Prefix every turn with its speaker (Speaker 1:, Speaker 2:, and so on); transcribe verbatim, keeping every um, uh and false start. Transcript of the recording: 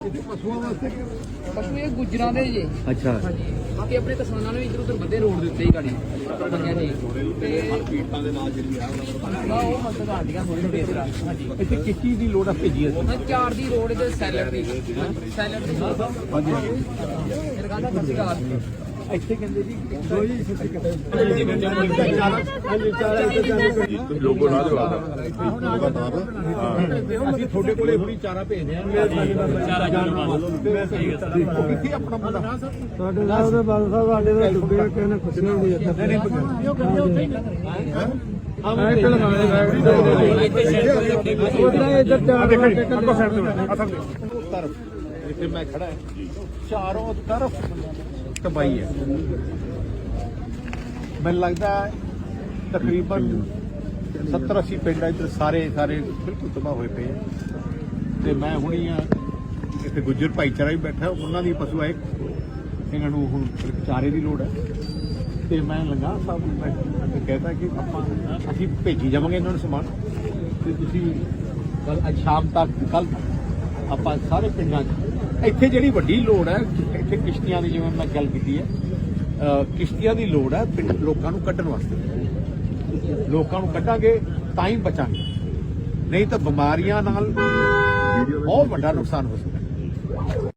Speaker 1: ਪਸ਼ੂਆਂ ਵਾਸਤੇ
Speaker 2: ਪਸ਼ੂ ਇਹ ਗੁੱਜਰਾਂ ਦੇ ਜੇ।
Speaker 3: ਅੱਛਾ
Speaker 2: ਹਾਂਜੀ ਬਾਕੀ ਆਪਣੇ ਕਿਸਾਨਾਂ ਨੇ ਵੀ ਇੱਧਰ ਉੱਧਰ ਵੱਧੇ ਰੋਡ ਦੇ ਉੱਤੇ ਹੀ ਗਾੜੀ ਬਣੀਆਂ ਜੀ ਤੇ
Speaker 1: ਪੀਟਾਂ ਦੇ ਨਾਲ ਜਿਹੜੀ ਆ
Speaker 2: ਆ ਉਹ ਮਸਲ ਆਂਦੀਆਂ ਥੋੜੀ ਥੋੜੀ ਇਧਰ ਹਾਂਜੀ
Speaker 3: ਇੱਥੇ ਕਿਸ ਚੀਜ਼ ਦੀ ਲੋੜ ਆ ਭੇਜੀ ਅਸੀਂ
Speaker 2: ਹਾਂ ਚਾਰ ਦੀ ਰੋਡ ਤੇ ਸੈਲਰ ਦੀ ਸੈਲਰ ਦੀ
Speaker 3: ਹਾਂਜੀ
Speaker 2: ਮੇਰੇ ਕਹਿੰਦਾ ਸੱਚੀ ਗੱਲ
Speaker 3: ਇੱਥੇ ਕਹਿੰਦੇ ਜੀ
Speaker 1: ਲੋਗੋ ਲਾ ਦਿਓ
Speaker 3: ਅਸੀਂ ਤੁਹਾਡੇ ਕੋਲੇ ਹੁਣੀ ਚਾਰਾ ਭੇਜਦੇ ਆ ਚਾਰਾ ਉਹ ਕਿੱਥੇ ਆਪਣਾ ਮੁੰਡਾ
Speaker 4: ਸਾਡੇ ਨਾਲ ਦੇ ਬਾਲ ਸਾਹਿਬ ਸਾਡੇ ਦਾ ਡੁੱਬੇ ਕਿਸੇ ਨੇ ਖੁਸ਼ੀਆਂ ਨਹੀਂ ਇੱਥੇ
Speaker 3: ਨਹੀਂ ਨਹੀਂ
Speaker 4: ਆਹ ਇੱਕ ਲਗਾਣੇ ਬੈਗ ਉਹਦਾ ਇੱਧਰ ਚਾਰ ਘੰਟੇ
Speaker 3: ਤਰਫ ਜਿੱਥੇ ਮੈਂ ਖੜਾ ਹੈ ਚਾਰੋਂ ਤਰਫ ਤਬਾਹੀ ਹੈ। ਮੈਨੂੰ ਲੱਗਦਾ ਤਕਰੀਬਨ ਸੱਤਰ ਅੱਸੀ ਪਿੰਡ ਇੱਧਰ ਸਾਰੇ ਸਾਰੇ ਬਿਲਕੁਲ ਤਬਾਹ ਹੋਏ ਪਏ ਤੇ ਮੈਂ ਹੁਣੀ ਆ ਇੱਥੇ ਗੁੱਜਰ ਭਾਈਚਾਰਾ ਵੀ ਬੈਠਾ ਉਹਨਾਂ ਦੀ ਪਸ਼ੂ ਆਏ ਇਹਨਾਂ ਨੂੰ ਹੁਣ ਚਾਰੇ ਦੀ ਲੋੜ ਹੈ ਤੇ ਮੈਂ ਲੰਗਾ ਸਾਹਿਬ ਨੂੰ ਮੈਂ ਕਹਿੰਦਾ ਕਿ ਆਪਾਂ ਅਸੀਂ ਭੇਜੀ ਜਾਵਾਂਗੇ ਇਹਨਾਂ ਨੂੰ ਸਮਾਨ ਤੇ ਤੁਸੀਂ ਕੱਲ ਅੱਜ ਸ਼ਾਮ ਤੱਕ ਕੱਲ ਆਪਾਂ ਸਾਰੇ ਪਿੰਡਾਂ 'ਚ ਇੱਥੇ ਜਿਹੜੀ ਵੱਡੀ ਲੋੜ ਹੈ ਇੱਥੇ ਕਿਸ਼ਤੀਆਂ ਦੀ ਜਿਵੇਂ ਮੈਂ ਗੱਲ ਕੀਤੀ ਹੈ ਕਿਸ਼ਤੀਆਂ ਦੀ ਲੋੜ ਹੈ ਪਿੰਡ ਲੋਕਾਂ ਨੂੰ ਕੱਢਣ ਵਾਸਤੇ ਲੋਕਾਂ ਨੂੰ ਕੱਢਾਂਗੇ ਤਾਂ ਹੀ ਬਚਾਂਗੇ ਨਹੀਂ ਤਾਂ ਬਿਮਾਰੀਆਂ ਨਾਲ ਬਹੁਤ ਵੱਡਾ ਨੁਕਸਾਨ ਹੋ ਸਕਦਾ।